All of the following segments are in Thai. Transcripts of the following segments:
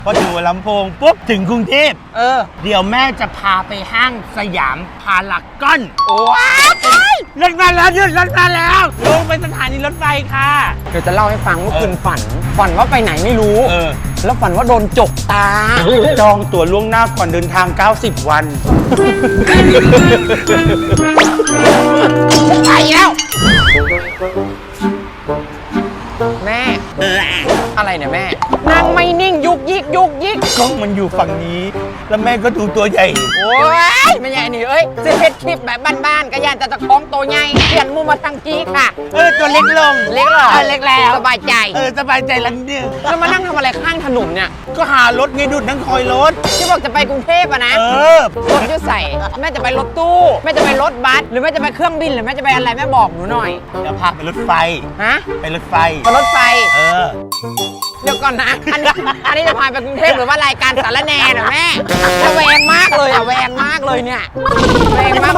พออยู่ลำโพงปุ๊บถึงกรุงเทพเดี๋ยวแม่จะพาไปห้างสยามพารากอนว้าวรถมาแล้วรถมาแล้วลงไปสถานีรถไฟค่ะเดี๋ยวจะเล่าให้ฟังเมื่อคืนฝันว่าไปไหนไม่รู้แล้วฝันว่าโดนจกตาจองตั๋วล่วงหน้าก่อนเดินทาง90 วันไปแล้วแม่อะไรเนี่ยแม่นั่งไม่นิ่งยุกยิกกล้องมันอยู่ฝั่งนี้แล้วแม่ก็ดูตัวใหญ่โอ้ยไม่ใหญ่นี่เอ้ยจะเพชรคลิปแบบบ้านๆก็ย่านจะคล้องตัวใหญ่เปลี่ยนมุมมาทางกี้ค่ะตัวเล็กลงเล็กหรอเล็กแล้วสบายใจสบายใจแล้วเนี่ยแล้วมานั่งทำอะไรข้างถนนเนี่ยก็หารถไงดูนั่งคอยรถที่บอกจะไปกรุงเทพอะนะรถจะใส่แม่จะไปรถตู้แม่จะไปรถบัสหรือแม่จะไปเครื่องบินหรือแม่จะไปอะไรแม่บอกหนูหน่อยเดี๋ยวพาไปรถไฟไปรถไฟรถไฟเดี๋ยวก่อนนะอันนี้จะพาไปกรุงเทพหรือว่ารายการสารแหน่เหรอแม่แวงมากเลยแวงมากเลยเนี่ยแวงมาก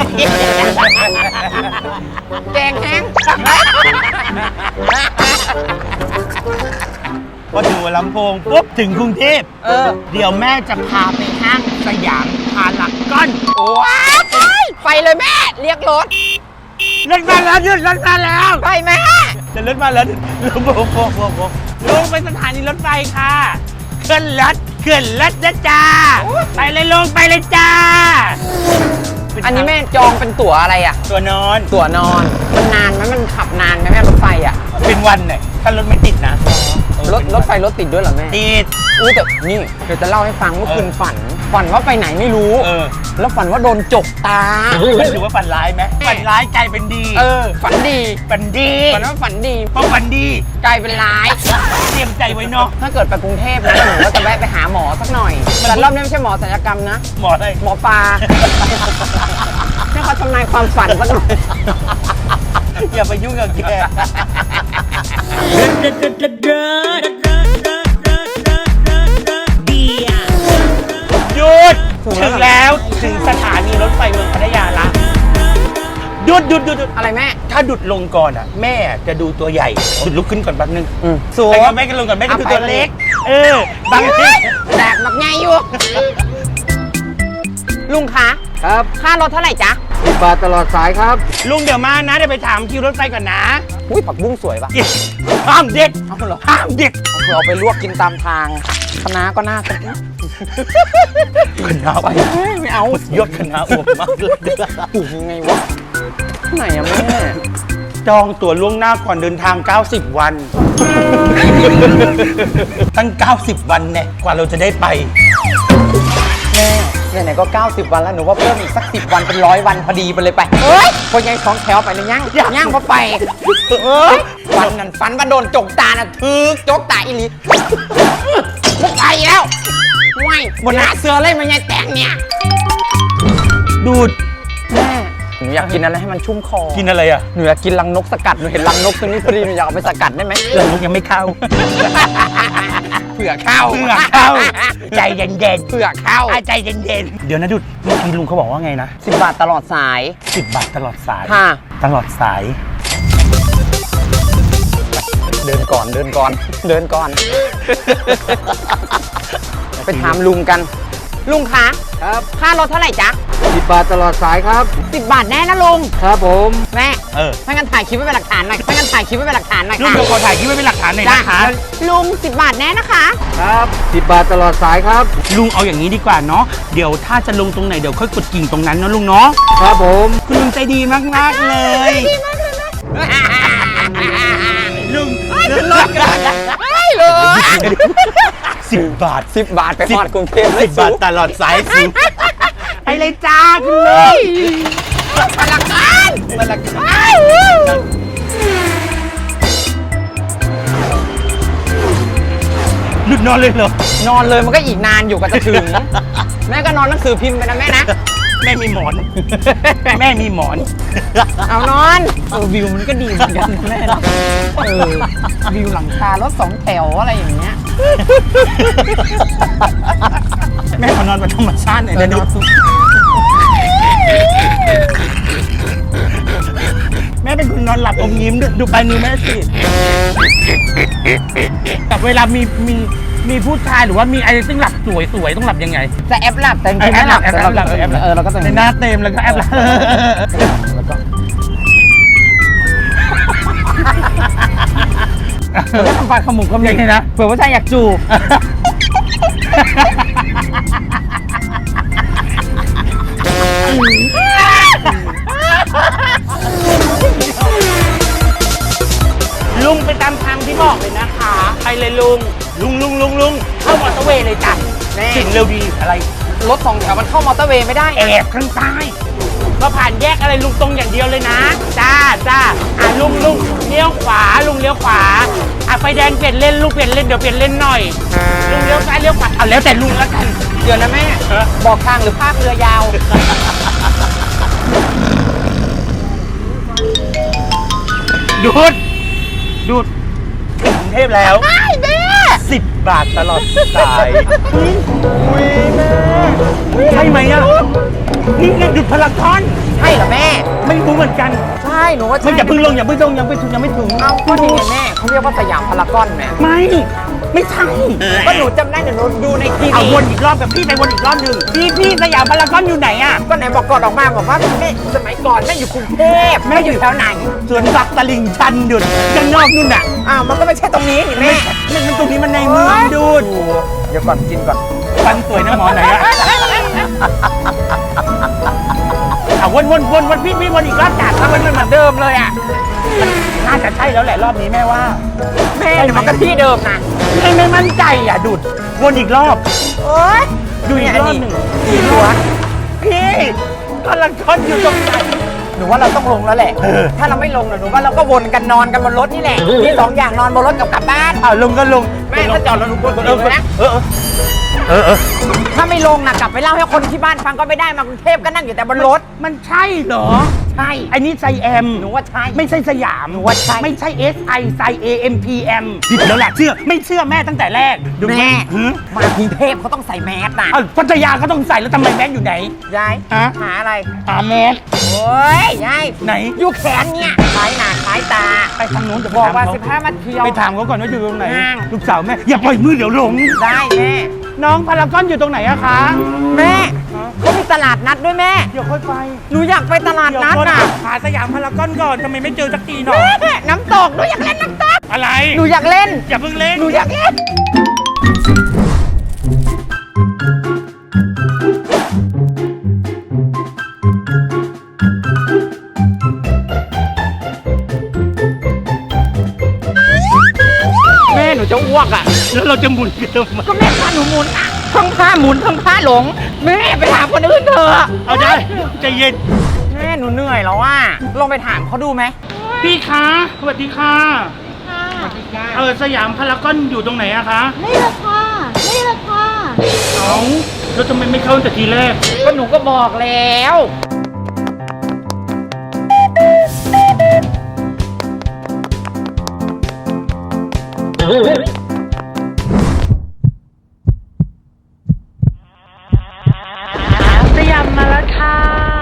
แกงแห้งพออยู่ลำโพงปุ๊บถึงกรุงเทพเดี๋ยวแม่จะพาไปห้างสยามพารากอนว้าวไปเลยแม่เรียกรถมาแล้วรถมาแล้วไปแม่จะรถมาแล้วลงไปสถานีรถไฟค่ะขึ้นรถนะจ้าไปเลยลงไปเลยจ้าอันนี้แม่จองเป็นตั๋วอะไรอ่ะตั๋วนอนมันนานไหมมันขับนานไหมแม่รถไฟอ่ะเป็นวันเนี่ยถ้ารถไม่ติดนะรถไฟรถติดด้วยเหรอแม่ติดแต่นี่เดี๋ยวจะเล่าให้ฟังเมื่อคืนฝันว่าไปไหนไม่รู้แล้วฝันว่าโดนจกตาถือว่าฝันร้ายไหมฝันร้ายกลายเป็นดีฝันดีฝันว่าฝันดีเพราะฝันดีกลายเป็นร้ายเตรียมใจไว้เนาะถ้าเกิดไปกรุงเทพนะหนูก็จะแวะไปหาหมอสักหน่อยแต่รอบนี้ไม่ใช่หมอศัลยกรรมนะหมออะไรหมอปลาให้เขาทำนายความฝันสักหน่อยอย่าไปยุ่งกับแกหยุดถึงแล้วถึงสถานีรถไฟเมืองพัทยาละหยุดอะไรแม่ถ้าดุดลงก่อนอ่ะแม่จะดูตัวใหญ่ดุดลุกขึ้นก่อนแป๊บนึงสวยแม่ก็ลงก่อนแม่ก็ดูตัวเล็กบางทีแตกแบบไงอยู่ลุงคะครับค่ารถเท่าไหร่จ๊ะ 10 บาทตลอดสายครับลุงเดี๋ยวมานะเดี๋ยวไปถามคิวรถไฟก่อนนะอุ้ยผักบุ้งสวยปะห้ามเด็ดห้ามเด็ดเอาไปลวกกินตามทางคณะก็น่ากินคณะไปไม่เอายศคณะอวบมากเลยปลูกยังไงวะไหนอะแม่จองตั๋วล่วงหน้าก่อนเดินทาง90 วันตั้ง90 วันเนี่ยกว่าเราจะได้ไปแม่ไหนๆก็90 วันแล้วหนูว่าเพิ่มอีกสัก10 วันเป็น100 วันพอดีไปเลยไปพอยัง2 แถวไปเลยย่างพอไปวันนั้นฝันว่าโดนจกตาน่ะจกตาอีหลีมุกไปแล้วไม่บนหน้าเสือเลยมันยังแต่งเนี่ยดูดแม่หนูอยากกินอะไรให้มันชุ่มคอกินอะไรอ่ะหนูอยากกินรังนกสกัดหนูเห็นรังนกตัวนี้พอดีหนูอยากเอาไปสกัดได้ไหมรังนกยังไม่เข้าเผื่อเข้าใจเย็นเผื่อเข้าใจเย็นเดี๋ยวนะดุดเมื่อกี้ลุงเขาบอกว่าไงนะ 10 บาทตลอดสาย 10 บาทตลอดสายตลอดสายเดินก่อนไปถามลุงกันลุงคะครับค่ารถเท่าไหร่จ๊ะ 10 บาทตลอดสายครับ 10 บาทแน่นะลุงครับผมแม่ไม่งั้นถ่ายคลิปไว้เป็นหลักฐานหน่อยลุงเดี๋ยวขอถ่ายคลิปไว้เป็นหลักฐานหน่อยนะคะลุง10 บาทแน่นะคะครับ10 บาทตลอดสายครับลุงเอาอย่างนี้ดีกว่าเนาะเดี๋ยวถ้าจะลงตรงไหนเดี๋ยวค่อยกดกิ่งตรงนั้นเนาะลุงเนาะครับผมคุณลุงใจดีมากเลยลุงรถกันเลย 10 บาทไปทอดกรุงเทพ 10 บาทตลอดสายสิไปเลยจ้าคุณลุงมาละกันหลุดนอนเลยเหรอนอนเลยมันก็อีกนานอยู่ก็จะถึงแม่ก็นอนหนังสือพิมพ์ไปนะแม่นะแม่มีหมอนเอานอนวิวมันก็ดีเหมือนกันแม่นะวิวหลังคารถ2 แถวอะไรอย่างเงี้ยแม่ขอนอนเป็นธรรมชาติหน่อยนะดูแม่เป็นคนนอนหลับอมยิ้มดูปลายนิ้วแม่สิแต่เวลามีมีผู้ชายหรือว่ามีอะไรซึ่งหลับสวยๆต้องหลับยังไงจะแอปหลับแต่จริงๆไม่หลับแต่เราเราก็ต้องในหน้าเต็มแล้วก็แอปหลับแล้วก็ทำปากขมุกขมิบนะเผื่อว่าชายอยากจูบลุงไปตามทางที่บอกเลยนะคะไปเลยลุงเข้ามอเตอร์เวย์เลยจ้ะแม่สิ่งเร็วดีอะไรรถสองแถวมันเข้ามอเตอร์เวย์ไม่ได้แอบข้างใต้ก็ผ่านแยกอะไรลุงตรงอย่างเดียวเลยนะจ้าลุงเลี้ยวขวาลุงเลี้ยวขวาไฟแดงเปลี่ยนเลนลุงเปลี่ยนเลนเดี๋ยวเปลี่ยนเลนหน่อยลุงเลี้ยวซ้ายเลี้ยวขวาเอาแล้วแต่ลุงแล้วกันเดี๋ยวนะแม่ บอกทางหรือภาคเรือยาวดูดถึงกรุงเทพแล้ว10 บาทตลอดสายอุ้ยแม่ใช่ไหมอ่ะนี่ไงหยุดพลังทอนใช่เหรอแม่ไม่รู้เหมือนกันใช่หนูว่าใช่ไม่อย่าเพิ่งลงยังไม่ถึงเอาก็ดีไงแม่เขาเรียกว่าสยามพารากอนแม่ไม่ใช่ก็หนูจำได้หนูดูในทีเอาวีวนอีกรอบกับพี่ไปวนอีกรอบหนึ่งพี่สยามพารากอนอยู่ไหนอ่ะก็ไหนบอกก่อนออกมาบอกว่าแม่สมัยก่อนแม่อยู่กรุงเทพแม่อยู่แถวไหนสวนสัตว์ตลิ่งชันดุดข้างนอกนู่นน่ะอ้าวมันก็ไม่ใช่ตรงนี้นี่แม่มันตรงนี้มันในเมืองดูดเดี๋ยวก่อนกินก่อนฟันสวยนะหมอไหนอ่ะเอาวนพี่วนอีกรอบจัดแล้วมันเหมือนเดิมเลยอ่ะน่าจะใช่แล้วแหละรอบนี้แม่ว่าแม่เดี๋ยวมันก็ที่เดิมนะไม่มั่นใจอ่ะดุดวนอีกรอบโอ๊ยดูอีกรอบหนึ่งอีกหัวพี่พารากอนอยู่ตรงไหนหนูว่าเราต้องลงแล้วแหละ ถ้าเราไม่ลงหนูว่าเราก็วนกันนอนกันบนรถนี่แหละมีสองอย่างนอนบนรถกับกลับบ้านลงก็ลงแม่ถ้าจอดแล้วหนูกดกดเลยนะเออถ้าไม่ลงนะกลับไปเล่าให้คนที่บ้านฟังก็ไม่ได้มากรุงเทพก็นั่งอยู่แต่บนรถมันใช่เหรอใช่ไอ้นี่ไซแอมหนูว่าใช่ไม่ใช่สยามหนูว่าใช่ไม่ใช่ SI ไซ AMPM ผิดแล้วแหละไม่เชื่อแม่ตั้งแต่แรกดูแม่หือมากรุงเทพเขาต้องใส่แมสนะพัทยาก็ต้องใส่แล้วทำไมแม็กอยู่ไหนยายฮะหาอะไรแมสโอ้ยยายไหนอยู่แขนเนี่ยคล้ายหน้าคล้ายตาไปทางนู้นจะบอกว่าไปถมเข 15 มาเที่ยวไปถามเขาก่อนว่าอยู่ตรงไหนห้างลูกสาวแม่อย่าปล่อยมือเดี๋ยวหลงได้แม่น้องพารากอนอยู่ตรงไหนอะคะแม่เขามีตลาดนัดด้วยแม่เดี๋ยวค่อยไปหนูอยากไปตลาดนัดเดี๋ยวน่ะหาสยามพารากอนก่อนทำไมไม่เจอสักทีหน่อยแม่น้ำตกหนูอยากเล่นน้ำตกอะไรหนูอยากเล่นอย่าเพิ่งเล่นหนูอยากเล่น แม่หนูจะอ้วกอ่ะแล้วเราจะหมุนกันทำไมก็แม่พาหนูหมุนอ่ะทั้งผ้าหมุนทั้งผ้าหลง แม่ไปถามคนอื่นเถอะเอาได้ใจเย็นแม่หนูเหนื่อยแล้วอ่ะลองไปถามเขาดูไหมพี่คะสวัสดีค่ะสยามพารากอนอยู่ตรงไหนอะคะนี่แหละค่ะ นี่แหละค่ะเอาแล้วทำไมไม่เข้าตั้งแต่ทีแรกก็หนูก็บอกแล้วสยามมาแล้วค่ะ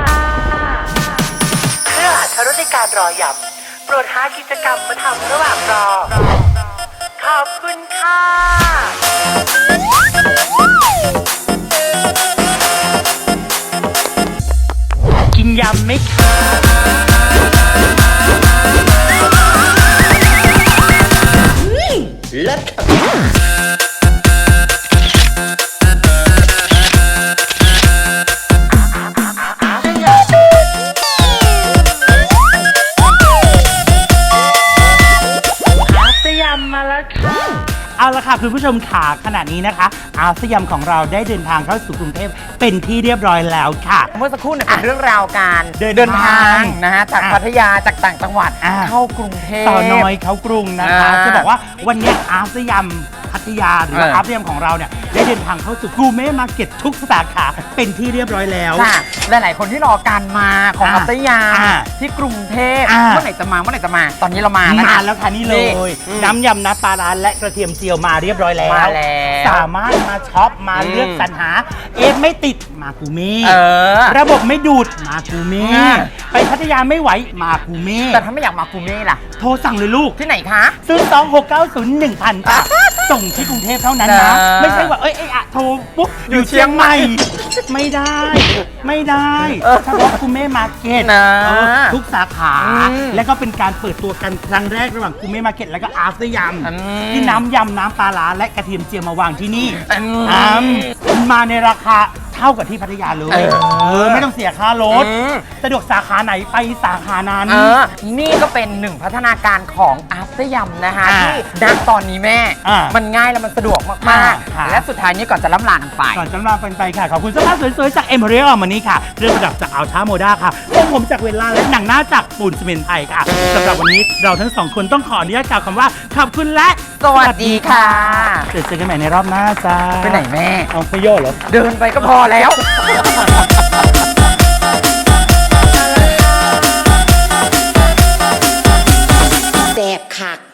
เพื่ออรรถรสในการรอยำโปรดหากิจกรรมมาทำระหว่างรอ ขอบคุณค่ะ กินยำไหมคะเลิศมาแล้วค่ะเอาละค่ะคุณผู้ชมขาขณะนี้นะคะอาสยามของเราได้เดินทางเข้าสู่กรุงเทพเป็นที่เรียบร้อยแล้วค่ะเมื่อสักครู่เนี่ยเป็นเรื่องราวการเดินทางนะฮะจากพัทยาจากต่างจังหวัดเข้ากรุงเทพต่อน้อยเขากรุงนะคะอ่าจะบอกว่าวันนี้อาสยามพัทยาหรือว่าอาสยามของเราเนี่ยได้เดินทางเข้าสู่กูเม่มาร์เก็ตทุกสาขาเป็นที่เรียบร้อยแล้วค่ะหลายๆคนที่รอการมาของพัทยาที่กรุงเทพเมื่อไหร่จะมาตอนนี้เรามาแล้วมาแล้วค่ะนี่เลย น้ำยำน้ำปลาร้าและกระเทียมเจียวมาเรียบร้อยแล้วมาแล้วสามารถมาช็อปมาเลือกสรรหาไม่ติดมากูเม่อระบบไม่ดูดมากูเม่อ่าไปพัทยาไม่ไหวมากูเม่แต่ถ้าไม่อยากมากูเม่ล่ะโทรสั่งเลยลูกที่ไหนคะ 02-690-1000ค่ะส่งที่กรุงเทพเท่านั้นนะนะไม่ใช่ว่าโทรปุ๊บอยู่เชียงใหม่ ไม่ได้ ไม่ได้เฉพาะคุณแม่มาร์เก็ตนะทุกสาขาอืมแล้วก็เป็นการเปิดตัวกันครั้งแรกระหว่างคุณแม่มาร์เก็ตแล้วก็อาร์ตยอืมำที่น้ำยำน้ำปลาร้าและกระเทียมเจียวมาวางที่นี่อืมมาในราคาเท่ากับที่พัทยาเลยไม่ต้องเสียค่ารถอืมสะดวกสาขาไหนไปสาขานั้นนี่ก็เป็นหนึ่งพัฒนาการของอาร์ตยำนะคะอ่าที่ณตอนนี้แม่อ่ามัมันง่ายแล้วมันสะดวกมากค่ะๆ และสุดท้ายนี้ก่อนจะล่ำลากันไปก่อนจะมาเป็นไปค่ะ ขอบคุณเสื้อผ้าสวยๆ จากเอ็มเพรียลมานี้ค่ะเครื่องประดับจากอัลท้าโมด้าค่ะผมจากเวลาและหนังหน้าจากปูนซีเมนต์ไทยค่ะสำหรับวันนี้เราทั้งสองคนต้องขออนุญาตกล่าวคำว่าขอบคุณและสวัสดีค่ะเจอกันใหม่ในรอบหน้าจ้าไปไหนแม่เอาไปโย่เหรอเดินไปก็พอแล้วแซ่บคัก